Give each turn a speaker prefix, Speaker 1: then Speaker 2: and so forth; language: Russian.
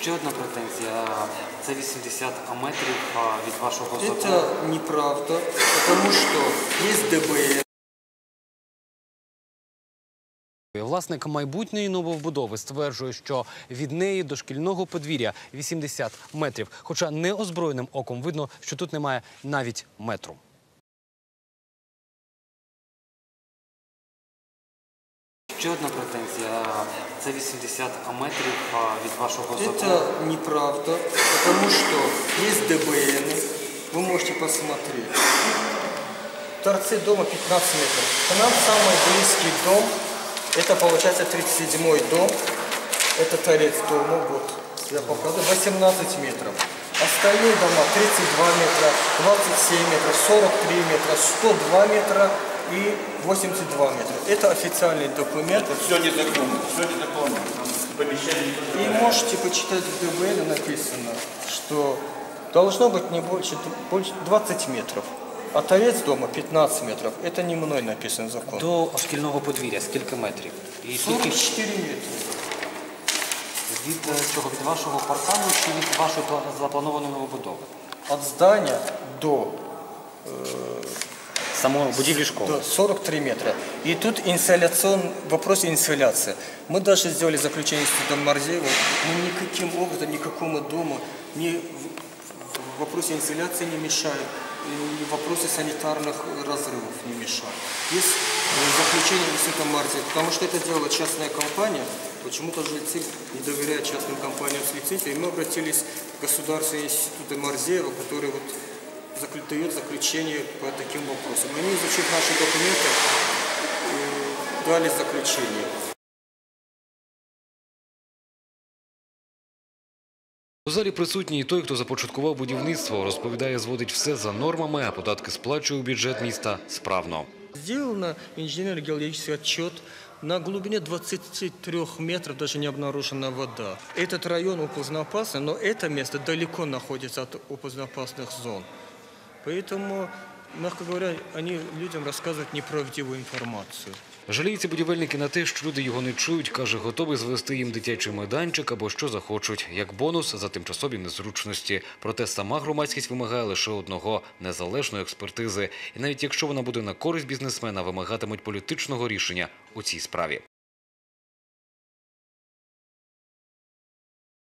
Speaker 1: Ще одна претензія. Це 80 метрів від вашого закону.
Speaker 2: Это неправда, потому что есть ДБН.
Speaker 1: Власник майбутньої нововбудови стверджує, що від неї до шкільного подвір'я 80 метрів. Хоча неозброєним оком видно, що тут немає навіть метру. Ще одна претензія. Це 80 метрів від вашого закону.
Speaker 2: Это неправда, потому что есть ДБН. Вы можете посмотреть. Торцы дома 15 метров. К нам самый близкий дом, это получается 37-й дом. Это торец дома, вот, я показываю, 18 метров. Остальные дома 32 метра, 27 метров, 43 метра, 102 метра и 82 метра. Это официальный документ.
Speaker 3: Это все незаконно, все незаконно.
Speaker 2: И можете почитать в ДБН, написано, что должно быть не больше 20 метров. А торец дома 15 метров. Это не мной написан закон.
Speaker 1: До шкільного подвір'я скільки метрів? І
Speaker 2: 44 метра.
Speaker 1: Від чого? Від вашого паркану чи від вашої запланованої новобудови?
Speaker 2: От здания до
Speaker 1: Самої будівлі школи?
Speaker 2: до 43 метра. И тут вопрос инсоляции. Мы даже сделали заключение с Институтом Марзеева. Мы никаким образом, никакому дому в вопросе инсоляции не мешаем. И в вопросе санитарных разрывов не мешаем. Есть заключение Института Марзеева, потому что это делала частная компания. Почему-то жильцы не доверяют частным компаниям с лицензией. И мы обратились к Государственному институту Марзеева, который вот дает заключение по таким вопросам. Они, изучив наши документы, дали заключение.
Speaker 4: У залі присутній і той, хто започаткував будівництво, розповідає, зводить все за нормами, а податки сплачує у бюджет міста справно.
Speaker 2: Сделан инженерно-геологический отчет. На глубине 23 метров даже не обнаружена вода. Этот район опасный, но это место далеко находится от опасных зон. Поэтому, мягко говоря, они людям рассказывают неправдивую информацию.
Speaker 4: Жаліються будівельники на те, що люди його не чують, каже, готовий звести їм дитячий майданчик або що захочуть, як бонус за тимчасові незручності. Проте сама громадськість вимагає лише одного – незалежної експертизи. І навіть якщо вона буде на користь бізнесмена, вимагатимуть політичного рішення у цій справі.